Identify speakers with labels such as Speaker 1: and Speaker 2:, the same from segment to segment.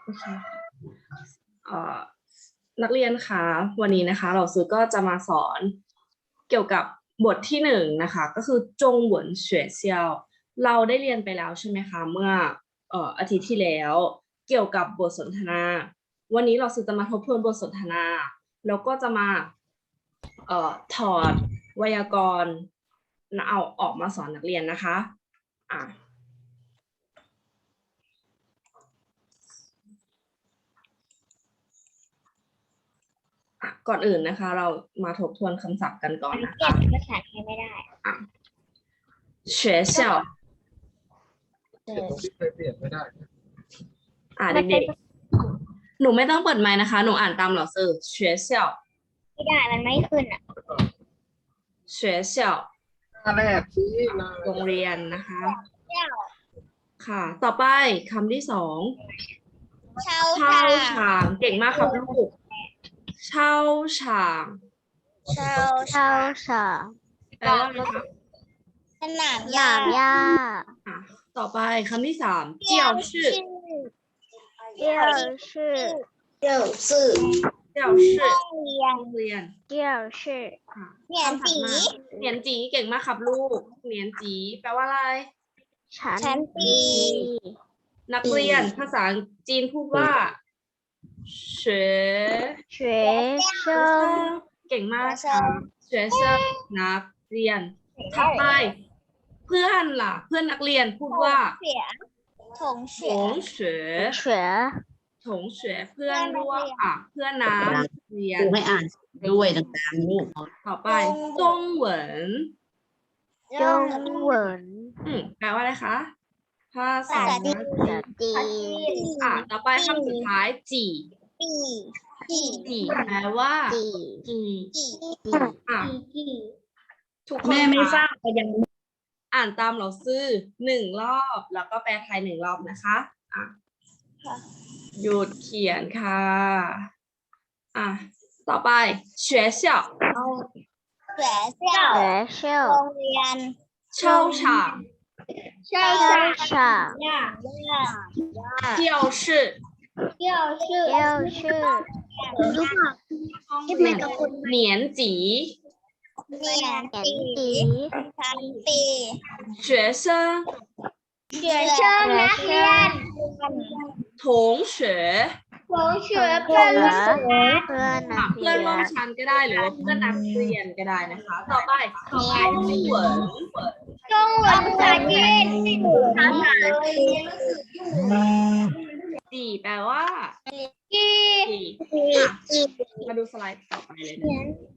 Speaker 1: โอเคนักเรียนคะวันนี้นะคะเราซื้อก็จะมาสอนเกี่ยวกับบทที่1นะคะก็คือจงเหวินเฉวยเซียวเราได้เรียนไปแล้วใช่ไหมคะเมื่ออาทิตย์ที่แล้วเกี่ยวกับบทสนทนาวันนี้เราซื้อจะมาทบทวนบทสนทนาแล้วก็จะมาถอดไวยากรณ์เอาออกมาสอนนักเรียนนะคะก่อนอื่นนะคะเรามาทบทวนคำศัพท์กันก่อนนะคะ
Speaker 2: เปลี่ยนภาษาไทยไม่ได้
Speaker 1: 学校
Speaker 3: เปลี่ยนไม่ได้
Speaker 1: เด็กๆหนูไม่ต้องเปิดไมค์นะคะหนูอ่านตามเหล่าซื้อ学校
Speaker 2: ไม่ได้มันไม่ขึ้น
Speaker 1: 学校
Speaker 3: แรกที่
Speaker 1: โรงเรียนนะคะค่ะต่อไปคำที่2เช่าฉางเก่งมากครับลูกเช่าฉาง
Speaker 2: เช่าฉาง
Speaker 1: แปลว่าอะไรคะ
Speaker 2: สนามหญ้า
Speaker 1: ต่อไปคำที่3เจียวชื่อ
Speaker 2: เจียวชื่อ
Speaker 1: โรงเรียน
Speaker 2: เจียวชื่อเหนียนจี
Speaker 1: เหนียนจีเก่งมากครับลูกเหนียนจีแปลว่าอะไร
Speaker 2: ชั้นปี
Speaker 1: นักเรียนภาษาจีนพูดว่าเฉเก่งมากครับเฉนักเรียนถัดไปเพื่อนล่ะเพื่อนนักเรียนพูดว่า
Speaker 2: ถงเฉย
Speaker 1: เพื่อนร่วมเพื่อนนักเรียน
Speaker 4: ไม่อ่านด้วยต่างๆลูก
Speaker 1: ต่อไปจงเหวินแปลว่าอะไรคะภาษาจีนต่อไปคำสุดท้ายจีแปลว่าทุกคน
Speaker 4: แม่ไม่ทราบก็ยัง
Speaker 1: อ่านตามเราซื้อ1 รอบแล้วก็แปลไทย1 รอบนะคะหยุดเขียนค่ะต่อไป学校
Speaker 2: โรงเรียน
Speaker 1: 操场教室年级
Speaker 2: ชั้นปี
Speaker 1: 学生
Speaker 2: นักเรียน
Speaker 1: 同学
Speaker 2: เพื่อน
Speaker 1: ร่วมชั้นก็ได้หรือว่าเพื่อนนักเรียนก็ได้นะคะต่อไปจงเหวิน
Speaker 2: ภาษาจีน
Speaker 1: จีแปลว่ามาดูสไลด์ต่อไปเลยนะ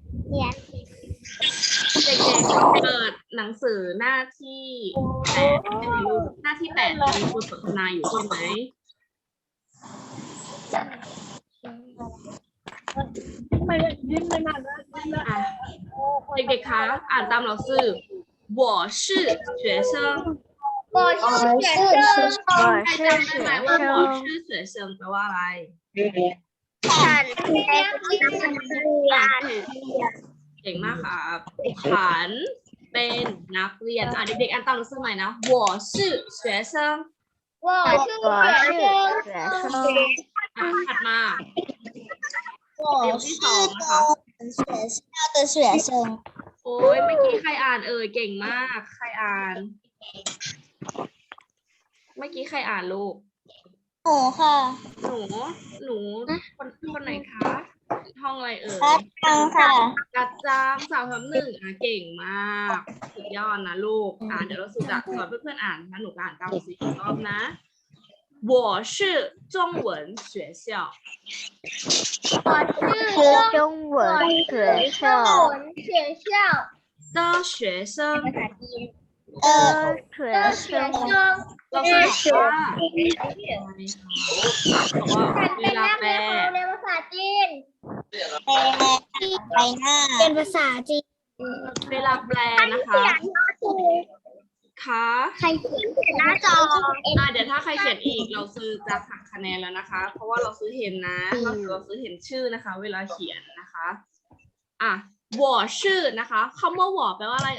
Speaker 1: เด็กๆเปิดหนังสือหน้าที่8หน้าที่8มีบทสนทนาอยู่ใช่ไหมเด็กๆคะอ่านตามเราซื่อ我是学生
Speaker 2: 我是学
Speaker 1: 生แปลว่าอะไร
Speaker 2: ฉันเป็นนักเรียน
Speaker 1: เก่งมากครับฉันเป็นนักเรียนเด็กๆอ่านตามเราซื่อใหม่นะ我是学生ถัดมาเดี๋ยวที่2นะคะโอ้ยเมื่อกี้ใครอ่านเก่งมากใครอ่านเมื่อกี้ใครอ่านลูก
Speaker 2: หนูค่ะ
Speaker 1: หนูคนไหนคะห้องอะไรกัดจัง3-1เก่งมากสุดยอดนะลูกเดี๋ยวเราสุดจะสอนเพื่อนๆอ่านนะหนูอ่านตามสีอีกรอบนะ我是中文学校的学生เราจะบอกว่าเวลาแปล
Speaker 2: ภาษาจีนเป็นภาษาจีน
Speaker 1: เวลาแปลนะคะ
Speaker 2: ใครเขียนหน้าจอ
Speaker 1: เดี๋ยวถ้าใครเขียนอีกเราซื้อจะหักคะแนนแล้วนะคะเพราะว่าเราซื้อเห็นนะเราซื้อเห็นชื่อนะคะเวลาเขียนนะคะ我是นะคะคำว่า我แปลว่าอะไร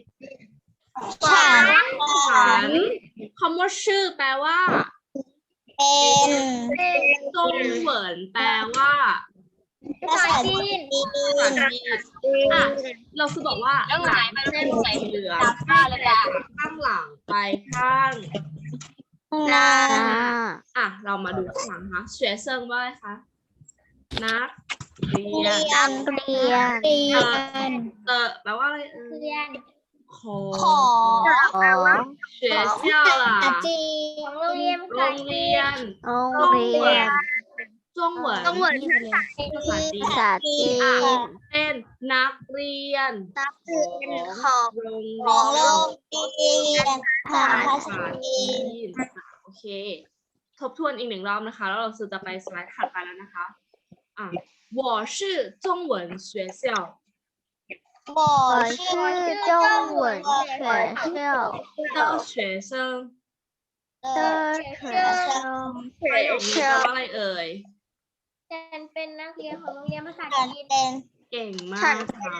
Speaker 1: ฉันคำว่าชื่อแปลว่า
Speaker 2: เป็น
Speaker 1: จงเหวินแปลว่า
Speaker 2: ภาษาจีน
Speaker 1: ภาษาจีนอ่ะเราคือบอกว่าหลังเส้นสีเหลืองข้างหลังไปข้าง
Speaker 2: นา
Speaker 1: อ่ะเรามาดูข้างหลังนะคะเฉวยเซิงว่าอะไรคะนักเรียน
Speaker 2: เรียน
Speaker 1: แปลว่าอะไรเอ่ย
Speaker 2: เรียน
Speaker 1: ขอ
Speaker 2: ขอ
Speaker 1: 学校啦
Speaker 2: จีนโรงเรียน
Speaker 1: โรงเรียน
Speaker 2: โรงเรียน
Speaker 1: จงเหวิน
Speaker 2: ต้องเหมือนภาษาจีน
Speaker 1: เป็นนักเรียน
Speaker 2: นักเรียนของ
Speaker 1: โรง
Speaker 2: ของโรงเรียนภา
Speaker 1: ภา
Speaker 2: ษา
Speaker 1: ษา
Speaker 2: จี
Speaker 1: จี
Speaker 2: น
Speaker 1: นโอเค ทบทวนอีกหนึ่งรอบนะคะ แล้วเราจะไปสไลด์ถัดไปแล้วนะคะอ่ะ我是中文学校
Speaker 2: 我是中文学校
Speaker 1: 的学生
Speaker 2: 的学生
Speaker 1: ประโยคนี้แปลว่าอะไรเอ่ย
Speaker 2: ฉันเป็นนักเรียนของโรงเรียนภาษาจีนเป็น
Speaker 1: เก่งมาก
Speaker 2: ฉัน
Speaker 1: ค่ะ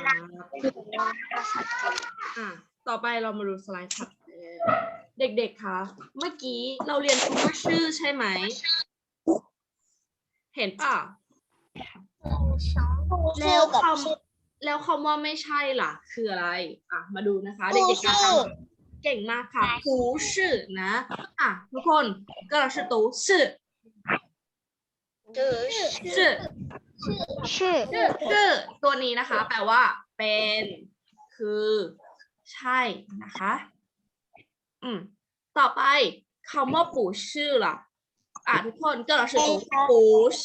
Speaker 1: อ่ะต่อไปเรามาดูสไลด์ถัดไปเลยเด็กๆ คะ เมื่อกี้เราเรียนคำว่าชื่อใช่ไหม เห็นป่ะ แล้วคำแล้วคำว่าไม่ใช่ล่ะ คืออะไร อ่ะ มาดูนะคะ เด็กๆคะเก่งมากค่ะ不是นะ อ่ะ ทุกคนก็เรา是都是是
Speaker 2: ชื่อ
Speaker 1: ชื่อตัวนี้นะคะ แปลว่า เป็น คือ ใช่นะคะ ต่อไปคำว่าปู่ชื่อล่ะ อ่ะ ทุกคนก็เรา是都不是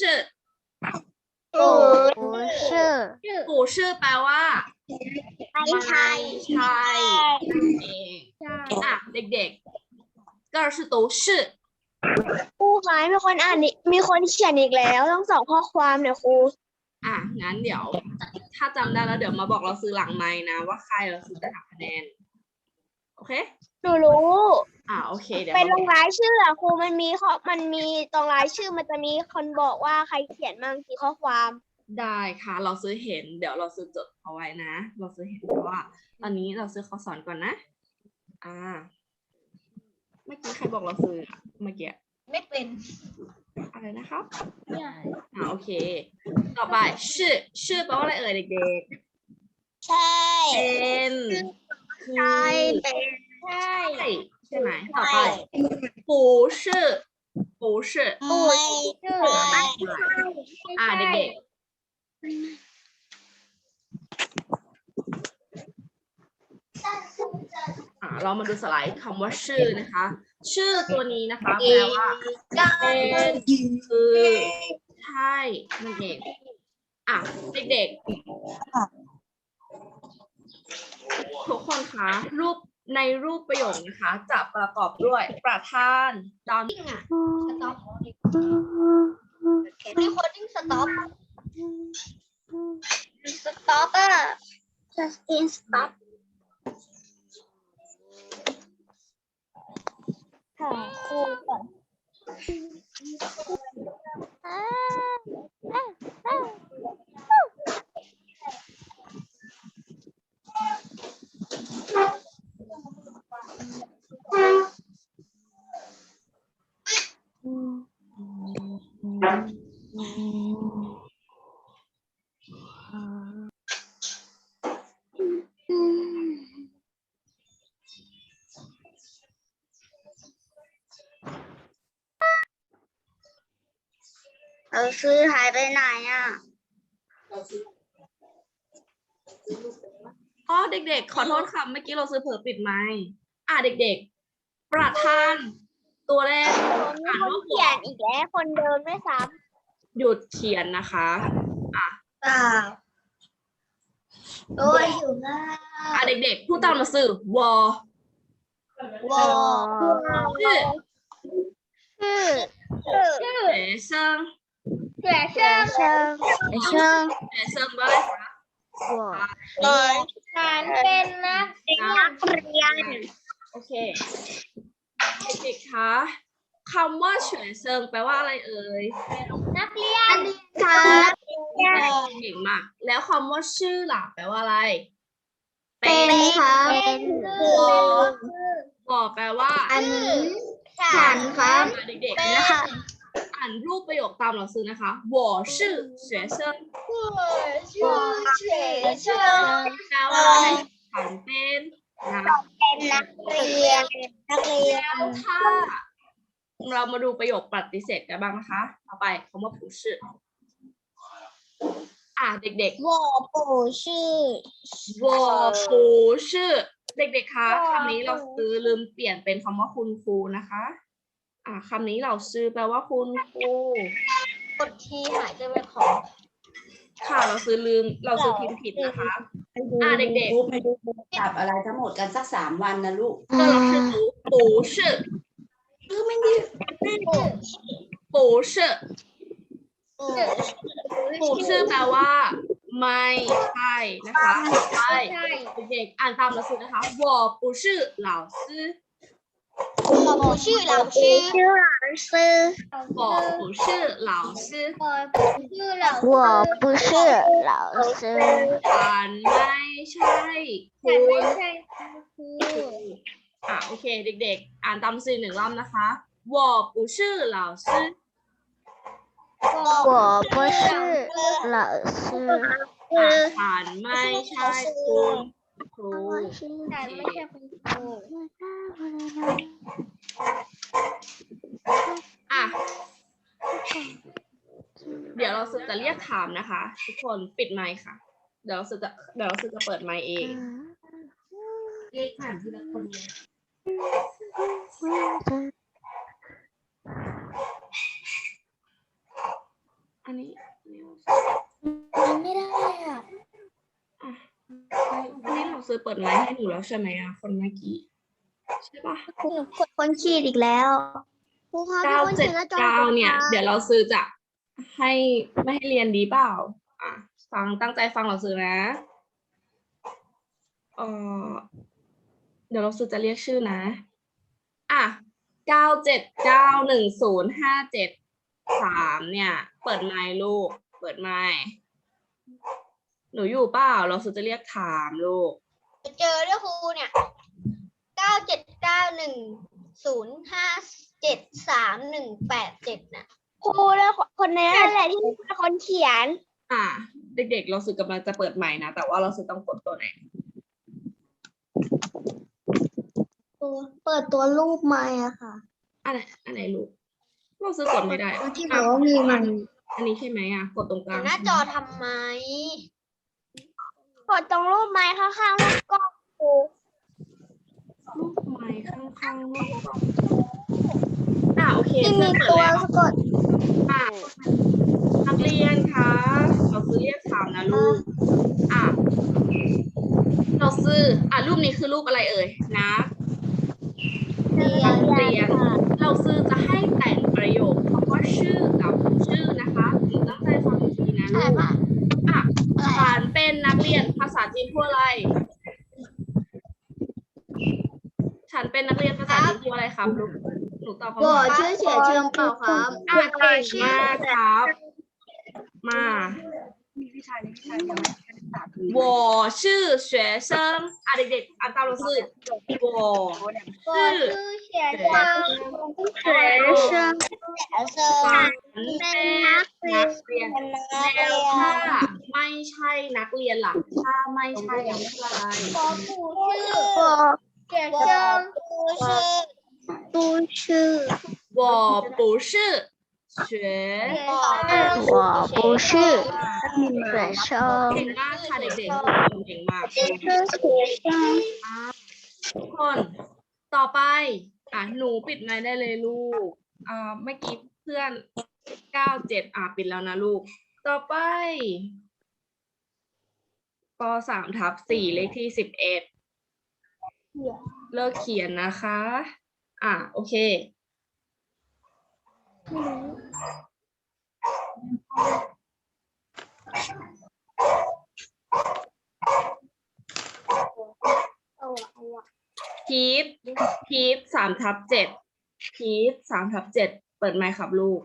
Speaker 1: ปู่ชื่อแปลว่า
Speaker 2: ไม่ใช่
Speaker 1: ใช่เองอ่ะ เด็กๆก็เรา是都是
Speaker 2: ครูคะมีคนอ่านมีคนเขียนอีกแล้วต้องสองข้อความเนี่ยครู
Speaker 1: อ่ะ งั้นเดี๋ยว ถ้าจำได้แล้วเดี๋ยวมาบอกเราซื้อหลังไมค์นะ ว่าใครเราซื้อจะหักคะแนน โอเค
Speaker 2: หนูรู้
Speaker 1: อ่ะ โอเค เดี๋ยว
Speaker 2: เป็นล
Speaker 1: มาง
Speaker 2: รายชื่ออะครูมันมีตรงรายชื่อมันจะมีคนบอกว่าใครเขียนมั่งกี่ข้อความ
Speaker 1: ได้ค่ะ เราซื้อเห็น เดี๋ยวเราซื้อจดเอาไว้นะ เราซื้อเห็นเพราะว่า ตอนนี้เราซื้อข้อสอนก่อนนะ อ่า เมื่อกี้ใครบอกเราซื้ออะเมื่อกี้
Speaker 2: ไม่เป็น
Speaker 1: อะไรนะครับ โอเค ต่อไปชื่อแปลว่าอะไรเอ่ยเด็ก
Speaker 2: ใช่
Speaker 1: ๆ เป็นคือ
Speaker 2: เป็นใช่
Speaker 1: ใช่ไหม ต่อไป不是不是
Speaker 2: ไม่ชื่อ
Speaker 1: อ่าเด็กๆ เรามาดูสไลด์คำว่าชื่อนะคะ ชื่อตัวนี้นะคะ แปลว่า เป็นคือใช่นั่นเองอ่ะเด็กๆทุกคนคะในรูปประโยคนะคะ จะประกอบด้วยประธานตาม
Speaker 2: มีคนดิ้งสต็อปสต็อปอะjustin stop ค่ะครูก่อนซื้อหายไปไหนอ่ะ
Speaker 1: อ๋อเด็กๆ ขอโทษค่ะเมื่อกี้เราซื้อเผลอปิดไมค์เด็กๆ ประธานตัวแรก
Speaker 2: มีคนเขียนอีกแล้วคนเดิมไม่ซ้
Speaker 1: หยุดเขียนนะคะ
Speaker 2: ำโอ้ยอยู่หน้า
Speaker 1: เด็กๆ พูดตามมาสื่อวอ
Speaker 2: วอชื่อ
Speaker 1: เอ๋เซิง
Speaker 2: 学生
Speaker 1: เอ๋เซิงว่าอะไรคะ
Speaker 2: ฉันเป็นนักเรียน
Speaker 1: โอเค เด็กๆ คะคำว่าเฉวยเซิงแปลว่าอะไรเอ่ย
Speaker 2: นักเรียนครับ
Speaker 1: เก่งมาก แล้วคำว่าชื่อล่ะแปลว่าอะไร
Speaker 2: เป็นครับเป็น
Speaker 1: บอกแปลว่า
Speaker 2: ฉันครับ
Speaker 1: เด็กๆ
Speaker 2: เป็น
Speaker 1: นะคะอ่านรูปประโยคตามเราซื้อนะคะ我是学生
Speaker 2: 我是学生
Speaker 1: แปลว่าอะไรฉันเป็นนัก
Speaker 2: เป็นนักเรียน
Speaker 1: แล้วถ้าเรามาดูประโยคปฏิเสธกันบ้างนะคะต่อไปคำว่าผู้ชื่อเด็กๆ
Speaker 2: 我不是
Speaker 1: 我不是เด็กๆคะคำนี้เราซื้อลืมเปลี่ยนเป็นคำว่าคุณครูนะคะคำนี้เราซื้อแปลว่าคุณครู
Speaker 2: กดทีหายใจไปของ
Speaker 1: ค่ะเราซื้อพิมพ์ผิดนะคะ เด็กๆ
Speaker 4: ไปดูจับอะไรทั้งหมดกันสัก3 วันนะลูก
Speaker 1: 这老师不是
Speaker 4: ไม่ดี
Speaker 1: 不是不是แปลว่าไม่ใช่นะคะใช่เด็กๆอ่านตามเราซื้อนะคะ我不是老师
Speaker 2: 我不是老师
Speaker 1: 我不是老师
Speaker 2: 我不是老师
Speaker 1: ฉันไม่ใช่คุณโอเคเด็กๆอ่านตามสื่อ1 รอบนะคะ我不是老师
Speaker 2: 我不是老师
Speaker 1: ฉันไม่ใช่คุณครูเดี๋ยวเราจะเรียกถามนะคะทุกคนปิดไมค์ค่ะเดี๋ยวเราจะเปิดไมค์เองเรียกถามทีละคนเลยอันนี้
Speaker 2: ไม่ได้อ่ะ
Speaker 1: อันนี้เราซื้อเปิดไมค์ให้หนูแล้วใช่ไหมคนเมื่อกี้ใช่ปะ
Speaker 2: คนขีดอีกแล้วครูคะ
Speaker 1: 979เนี่ยเดี๋ยวเราซื้อจะไม่ให้เรียนดีเปล่าฟังตั้งใจฟังเราซื้อนะเดี๋ยวเราซื้อจะเรียกชื่อนะ9791057 เนี่ยเปิดไมค์ลูกเปิดไมค์หนูอยู่เปล่าเราซื้อจะเรียกถามลูก
Speaker 2: เจอด้วยครูเนี่ย97910573187นะครูแล้วคนนี้แหละที่เป็นคนเขียน
Speaker 1: เด็กๆเราซื้อกำลังจะเปิดใหม่นะแต่ว่าเราซื้อต้องกดตัวไหน
Speaker 2: เปิดตัวรูปไม้อะค่ะ
Speaker 1: อันไหนลูกเราซื้อกดไม่ได้
Speaker 2: ที่บอกว่ามีมัน
Speaker 1: อันนี้ใช่ไหมกดตรงกลาง
Speaker 2: หน้าจอทำไมกดตรงรูปไม้ข้างๆรูปกล้องครู
Speaker 1: รูปไม้ข้างๆรูปกล้องโอเค
Speaker 2: ที่มีตัวสะกด
Speaker 1: นักเรียนคะเราซื้อเรียกถามนะลูกเราซื้อรูปนี้คือรูปอะไรเอ่ยนะเรียนเราซื้อจะให้แต่งประโยคคำว่าชื่อกับชื่อนะคะหนูตั้งใจฟังดีๆนะลูกฉันเป็นนักเรียนภาษาจีนพูดอะไรฉันเป็นนักเรียนภาษาจีนพูดอะไรครับลูกหนูตอบคำว่า
Speaker 2: ชื่อเฉียเชิงเปล่าครับ
Speaker 1: เก่งมากครับมา我是学生เด็กๆอ่านตามเราสิ我是学生ฉันเป็นนักเรียนแล้วถ้าไม่ใช่นักเรียนหลักถ้าไม่ใช่อะไร我不是学
Speaker 2: 我不是学生
Speaker 1: เก่งมากค่ะเด็กๆเก่งมากทุกคนต่อไปหนูปิดไมค์ได้เลยลูกเมื่อกี้เพื่อน97ปิดแล้วนะลูกต่อไปป.3/4เลขที่11เลิกเขียนนะคะโอเคพีท3/7พีท3/7เปิดไมค์ครับลูก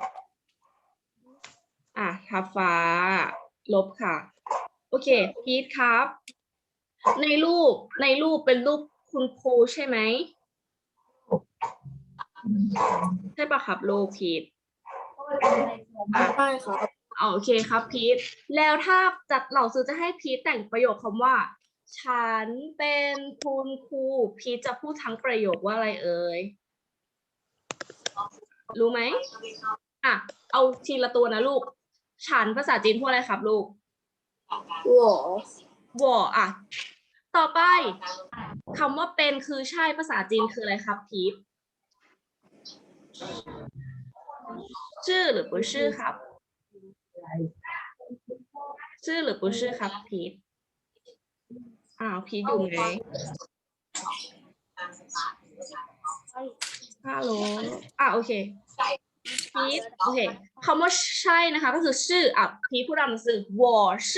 Speaker 1: ทับฟ้าลบค่ะโอเคพีทครับในรูปเป็นรูปคุณครูใช่ไหมใช่ปะครับลูกพีทใช่ครับโอเคครับพีทแล้วถ้าจัดเหล่าซื้อจะให้พีทแต่งประโยคคำว่า ฉันเป็นคุณครูพีทจะพูดทั้งประโยคว่าอะไรเอ่ยรู้ไหมอ่ะเอาทีละตัวนะลูกฉันภาษาจีนพูดอะไรครับลูก我อ่ะต่อไปคำว่าเป็นคือใช่ภาษาจีนคืออะไรครับพีทชื่อหรือ不是ครับชื่อหรือ不是ครับพีทพีทอยู่ไหมฮัลโหลโอเคพีทโอเคคำว่าใช่นะคะก็คือชื่อพีทพูดตามหนังสือ我是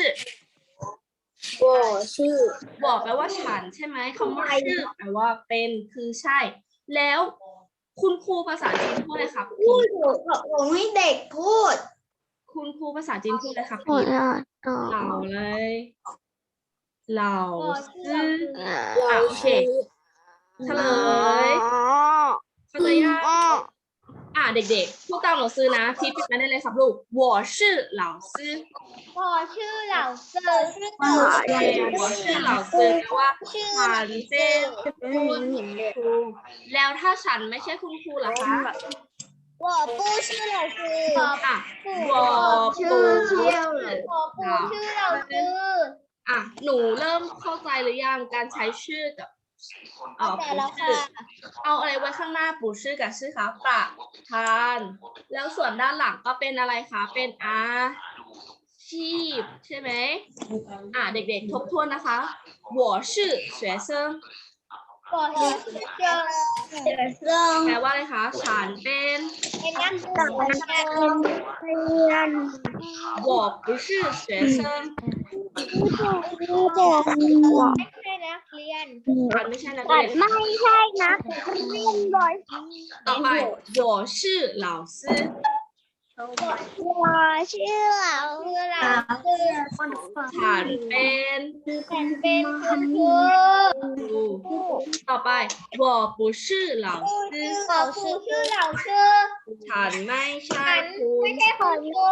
Speaker 1: 我แปลว่าฉันใช่ไหมคำว่าชื่อแปลว่าเป็นคือใช่ แล้วคุณครูภาษาจีนพูดอะไรครับพีท
Speaker 4: ผมให้เด็กพูด
Speaker 1: คุณครูภาษาจีนพูดอะไรครับพีทเหล่าเลยเหล่าซื่อโอเคเฉลยยังเด็กๆพูดตามหนังสือนะพีทปิดมาได้เลยครับลูก我是老师
Speaker 2: 我是老师
Speaker 1: 我是老师แปลว่าฉันเป็นคุณครูแล้วถ้าฉันไม่ใช่คุณครูล่ะคะ
Speaker 2: 我不是老师
Speaker 1: 我不是
Speaker 2: 老师
Speaker 1: หนูเริ่มเข้าใจหรือยังการใช้ชื่อกับ
Speaker 2: แต่แล้ว
Speaker 1: ชื่
Speaker 2: ค่ะ
Speaker 1: เอาอะไรไว้ข้างหน้าปู่ชื่อกับชื่อคะประธานแล้วส่วนด้านหลังก็เป็นอะไรคะเป็นอาชีพใช่ไหมเด็กๆทบทวนนะคะ我是学生
Speaker 2: 我是学生
Speaker 1: แปลว่าอะไรคะฉันเป็น
Speaker 2: เป็นนักศึกษา
Speaker 1: 我不是学生
Speaker 2: ไม่ใช่นักเรียน
Speaker 1: ฉันไม่ใช่นักเรียน
Speaker 2: ไม่ใช่นักเรียนบ่อย
Speaker 1: ต่อไป我是老师
Speaker 2: 我是老师
Speaker 1: ฉันเป็น
Speaker 2: ฉันเป็นคุณครู
Speaker 1: ต่อไป我不是老师
Speaker 2: 我不是老师
Speaker 1: ฉันไม่ใช่
Speaker 2: ฉัน
Speaker 1: ครู
Speaker 2: ไม่ใช่คุณครู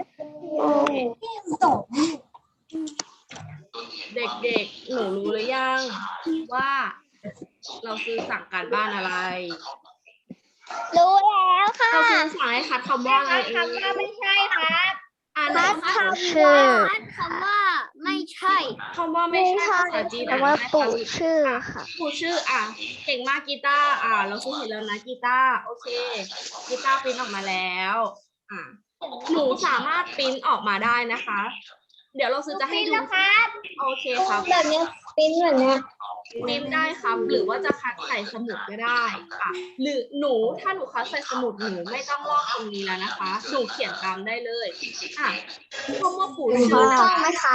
Speaker 1: เด็กๆหนูรู้หรือยังว่าเราซื้อสั่งการบ้านอะไร
Speaker 2: รู้แล้วค่ะ
Speaker 1: เราซื้อสั่งให้คัดคำว่าอะไร
Speaker 2: คำว่าไม่ใช่ครับ
Speaker 1: ไหน
Speaker 2: คำว่าไม่ใช่
Speaker 1: คำว่าไม่ใช่ภาษาจีนว่าปู่ชื่อค่ะปู่ชื่อเก่งมากกีตาร์เราซื้อเห็นแล้วนะกีตาร์โอเคกีตาร์ปริ้นออกมาแล้วหนูสามารถปริ้นออกมาได้นะคะ เดี๋ยวเราซื้อจะให้ดูโอเคครับ
Speaker 2: แบบนี้ปิ้นแบบนี้
Speaker 1: ปริ้นได้ครับ หรือว่าจะคัดใส่สมุดก็ได้ค่ะหรือถ้าหนูคัดใส่สมุดหนูไม่ต้องลอกตรงนี้แล้วนะคะหนูเขียนตามได้เลยคำว่าปู่ชื่อนะคะอะไรนะคะ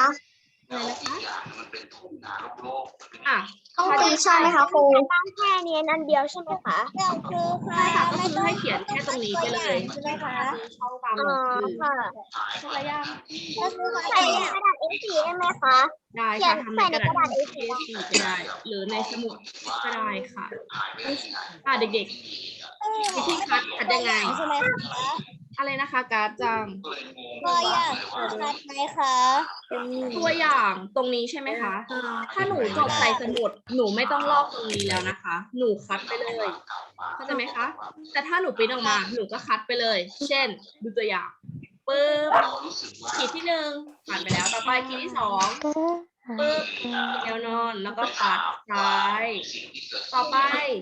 Speaker 2: ต้องตีใช่ไหมคะครูตั้งแค่นี้อันเดียวใช่ไหมคะคือ
Speaker 1: ใช่ค่ะก็คือให้เขียนแค่ตรงนี้ไปเลย
Speaker 2: ใช่ไหมคะ
Speaker 1: ช่องตามหนังสือ
Speaker 2: ค่ะ
Speaker 1: ใช่ยัง
Speaker 2: ก็คือใส่ในกระดาษ A4 ได้ไหมคะ
Speaker 1: ได้
Speaker 2: เขีย
Speaker 1: ค่ะ
Speaker 2: น
Speaker 1: ทำ
Speaker 2: ใส่
Speaker 1: ใน
Speaker 2: ใน
Speaker 1: กระ
Speaker 2: กระ
Speaker 1: ดา
Speaker 2: ดา
Speaker 1: ษ
Speaker 2: ษ
Speaker 1: A4
Speaker 2: A4
Speaker 1: ก็ได้ หรือในสมุดก็ได้ค่ะเด็กๆวิธีคัดยังไง
Speaker 2: ใช่ไหมคะ
Speaker 1: อะไรนะคะการ์ดจัง
Speaker 2: ตัวอย่างชัดไหมคะ
Speaker 1: ตัวอย่างตรงนี้ใช่ไหมคะ ถ้าหนูจดใส่สมุดหนูไม่ต้องลอกตรงนี้แล้วนะคะ หนูคัดไปเลยเข้าใจไหมคะ แต่ถ้าหนูปริ้นออกมาหนูก็คัดไปเลย เช่น ดูตัวอย่างปึ๊บขีดที่1ผ่านไปแล้วต่อไปขีดที่2ปึ๊บแนวนอนแล้วก็ปัดซ้ายต่อไป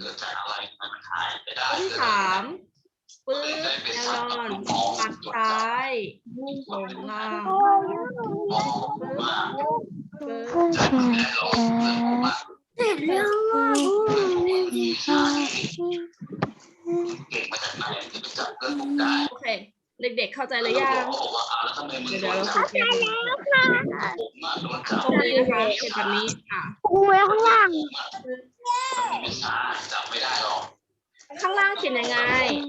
Speaker 1: ขีดที่3ปึ๊บแนวนอนปัดซ้ายลงล่างโอเคเด็กๆเข้าใจหรือยังเดี๋ยวเราคุยกันตรงนี้นะคะเป็นแบบนี้
Speaker 2: ครูไว้ข้างล่าง
Speaker 1: ข้างล่างเขียนยังไง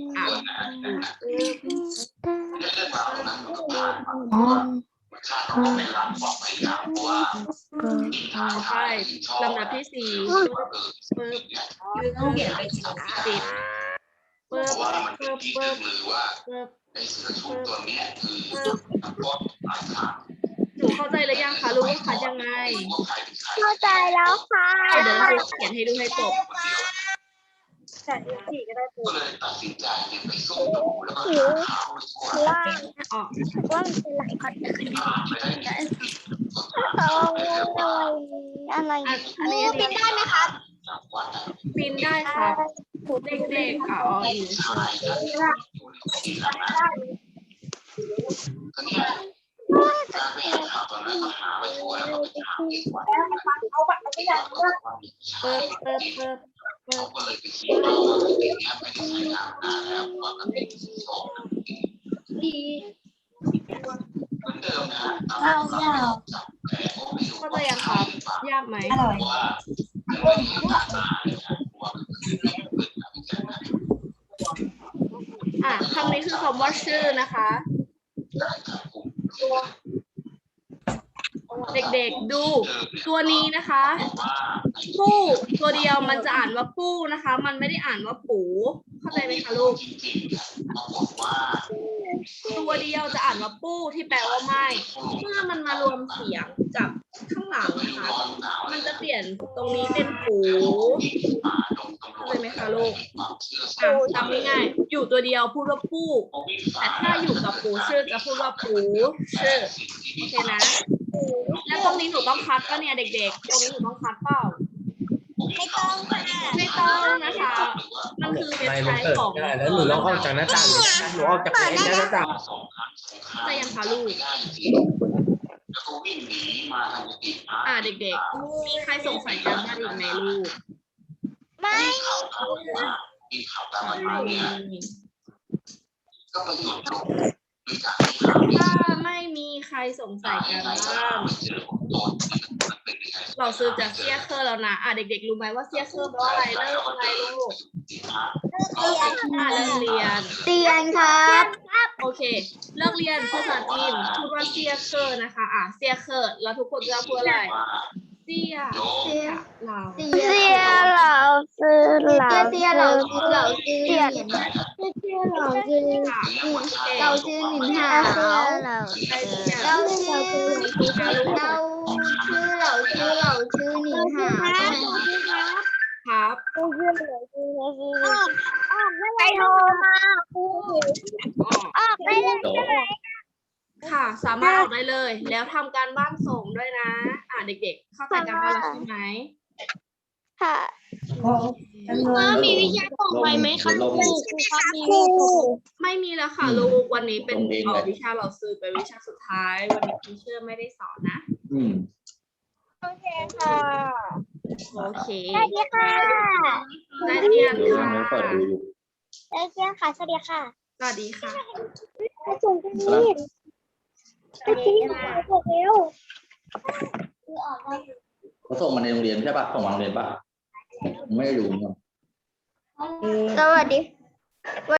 Speaker 1: ใช่ลำดับที่4ปึ๊บปิดปึ๊บปึ๊บ
Speaker 5: เพราะว่ามันเป็น
Speaker 1: ปึ๊บ
Speaker 5: ที่
Speaker 1: ปึ๊บ
Speaker 5: ชื่อลือว่า
Speaker 1: ปึ๊บ
Speaker 5: ไอ้เสือชุบตัวเนี้ยคือนักโทษปลายทาง
Speaker 1: หนูเข้าใจหรือยังคะรู้ว่าคัดยังไง
Speaker 5: ไม่รู้ว่าใครเป็นใคร
Speaker 2: เข้าใจแล้วค่ะ
Speaker 1: เดี๋ยวเราเขียนให้ดูให้จบ
Speaker 5: คนเดียว
Speaker 2: ก็ได้ปู
Speaker 5: ก็เลยตัดสินใจเนี่ยไปซุ่มดูแล้วก็หาข่าวไปทั่ว
Speaker 2: ว่า
Speaker 1: อ๋อ
Speaker 2: ว่ามันเป็นอะไรก่อน
Speaker 5: หาไปได้ที่สุด
Speaker 2: อะไร
Speaker 1: อันนี้
Speaker 2: บินได้ไหมครับ
Speaker 5: จากวัด
Speaker 1: ปีนได้ครับ เด็กๆอ๋ออีก
Speaker 5: ชายท่านอยู่ในที่ทำนั้นก็เนี่ยการไปหาข่าวตอนนั้นก็หาไปทั่วแล้วก็ไปหาที่วัด
Speaker 2: เอาบัตรไปอย่างเลือก
Speaker 1: ปึ๊บปึ๊บปึ๊บ
Speaker 5: เขาก็เลยไปคิดว่าเด็กเนี้ยไม่ได้ใช้งานนานแล้วเพราะว่ามันเป็นสอง
Speaker 2: ดี
Speaker 5: เหมือนเดิมนะฮะตามจับแต่ก็ไม่รู้
Speaker 1: เข้าใจ
Speaker 5: ว่า
Speaker 1: ยังครับ ยากไหม
Speaker 5: เพราะว่ามันไม่มีการมาเลยนะเพราะว่ามันคือเรื่องเปิดการพิจารณา
Speaker 1: คำนี้คือคำว่าชื่อนะคะ
Speaker 5: การจับกลุ่ม
Speaker 1: เด็กๆดูตัวนี้นะคะ
Speaker 5: ว่า
Speaker 1: ปู้ตัวเดียวมันจะอ่านว่าปู้นะคะ มันไม่ได้อ่านว่าปูเข้าใจไหมคะลูก
Speaker 5: จริงๆปรากฏว่า
Speaker 1: ตัวเดียวจะอ่านว่าปู้ที่แปลว่าไม่ เมื่อมันมารวมเสียงกับข้างหลังนะคะ มันจะเปลี่ยนตรงนี้เป็นปูเข้าใจไหมคะลูกจำง่ายๆอยู่ตัวเดียวพูดว่าปู้แต่ถ้าอยู่กับปูชื่อจะพูดว่าปูชื่อโอเคนะ แล้วตรงนี้หนูต้องคัดป่ะเนี่ยเด็กๆ ตรงนี้หนูต้องคัดเปล่า
Speaker 2: ไม่ต้องค่ะ
Speaker 1: ไม่ต้องนะคะ มันคือเว็บ
Speaker 3: ไม่
Speaker 1: ไซ
Speaker 3: มัน
Speaker 1: ต์
Speaker 3: เปิด
Speaker 1: ของ
Speaker 3: ไม่ได้แล้วหนูลองออกจากหน้าต่างดิหนูออกจากหน้าต่าง
Speaker 1: จะยังคะลูก
Speaker 5: แล้วก็วิ่งหนีมาทางกุฏิพระ
Speaker 1: เด็กๆ มีใครสงสัยกันบ้างอีกไหมลูก
Speaker 2: ไม่
Speaker 5: มีข่าวตามว่ามีข่าวตามมาอยู่เนี่ยก็มาหยุดลงด้วยการที่ข่าวนี้
Speaker 1: ถ้าไม่มีใครสงสัยกันบ้าง
Speaker 5: เจอของตัวที่มันเป็นยังไง
Speaker 1: เราซื้อจากเซียเคอร์แล้วนะ เด็กๆ รู้ไหมว่าเซียเคอร์แปลว่าอะไรเลิกอะไรลูกเลิกเรียน
Speaker 2: เรียนครับ
Speaker 1: โอเค เลิกเรียนภาษาจีนพูดว่าเซียเคอร์นะคะ เซียเคอร์แล้วทุกคนจะพูดอะไร เซียเรา
Speaker 2: เสียเราซื้อเราเสียเราซื้อเราซื้อเสียเราซื้อ
Speaker 1: ค่ะ
Speaker 2: เราซื้อหนึ่งหาเรา
Speaker 1: ใครทุกอย่าง
Speaker 2: เราซื้อเราซื้อเราซื้อเราซื้อเราซื้อหนึ่งหา
Speaker 1: ครับ
Speaker 2: ไปโทรมาครู
Speaker 1: อ๋อ
Speaker 2: ออกได้เลยใช่ไหม
Speaker 1: ค่ะ สามารถออกได้เลย แล้วทำการบ้านส่งด้วยนะ เด็กๆ เข้าใจการบ้านแล้วใช่ไหม
Speaker 2: ค่ะ
Speaker 4: มีวิชาส่งไปไหมคะครูครับมี
Speaker 2: ครู
Speaker 1: ไม่มีแล้วค่ะลูก วันนี้เป็นวิชาเราซื้อเป็นวิชาสุดท้าย วันนี้ทีเชอร์ไม่ได้สอนนะ
Speaker 2: โอเคค่ะ
Speaker 1: โอเค
Speaker 2: สวัสดีค่ะ
Speaker 1: ได้เรียนค่ะ
Speaker 2: สวัสดีค่ะสวัสดีค่ะ
Speaker 1: สวัสดีค่ะ
Speaker 2: ส่งกันนี่ไปกินข้าวเร็ว
Speaker 6: เขาส่งมาในโรงเรียนใช่ปะส่งมาโรงเรียนปะไม่ได้ดู
Speaker 2: สวัสดี